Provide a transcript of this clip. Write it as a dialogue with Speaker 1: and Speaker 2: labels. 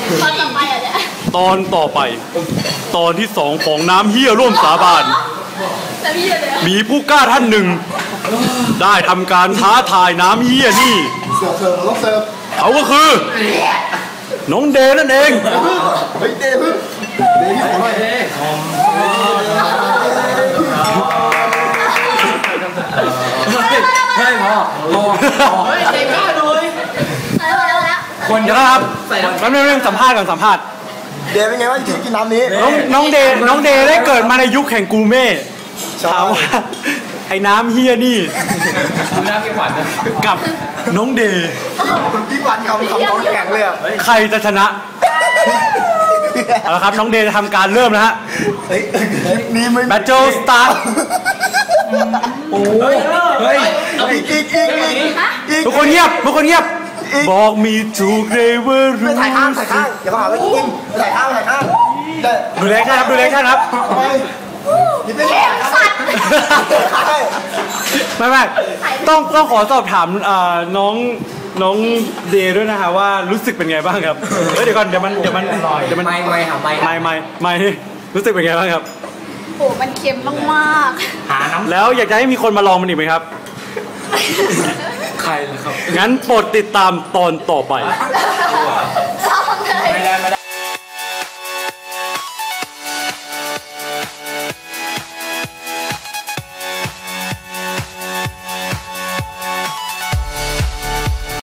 Speaker 1: ตอนต่อไปอ่ะเนี่ย
Speaker 2: ตอนต่อไป ตอนที่2ของน้ำเหี้ยร่วมสาบานมีผู้กล้าท่านหนึ่ง ได้ทำการท้าทายน้ำเหี้ยนี่เขาก็คือน้องเดนั่นเอง
Speaker 3: เฮ้ยเดพึ่งเดพี่ขอหน่อย
Speaker 4: เฮ้ยพ่อเฮ้ยเด็กก้าด้วย
Speaker 2: คนเยอะครับงั้นเรื่องสัมภาษณ์ก่อนสัมภาษณ์
Speaker 3: เดเป็นไงว่าที่กินน้ำนี้
Speaker 2: น้องเดได้เกิดมาในยุคแห่งกูเม่ถามว่าไอ้น้ำเฮียนี่
Speaker 4: น้ำพี่ขวัญ
Speaker 2: กับน้องเด
Speaker 3: พี่ขวัญคำน้องแข็งเลยอ่ะ
Speaker 2: ใครจะชนะเอาละครับน้องเดจะทำการเริ่มนะฮะ
Speaker 3: นี่ไม่
Speaker 2: แบทเทิลสตาร์ท
Speaker 3: โอ้ยเฮ้ยอีก
Speaker 2: ทุกคนเงียบบอกมีถูกเลยว่ารู้
Speaker 3: ถ่ายข้างอย่ามาหาว่ากินถ่ายข้าง
Speaker 2: ดูแลครับ
Speaker 3: นี่เป็นสัตว์
Speaker 2: ไม่ต้องขอสอบถามน้องเดย์ด้วยนะคะว่ารู้สึกเป็นไงบ้างครับเดี๋ยวก่อนเดี๋ยวมันไม่รู้สึกเป็นไงบ้างครับ
Speaker 1: โอ้มันเค็มมาก
Speaker 4: หาน้ำ
Speaker 2: แล้วอยากจะให้มีคนมาลองมันอีกไหมครับ
Speaker 4: ใครล่ะครับ
Speaker 2: งั้นโปรดติดตามตอนต่อไป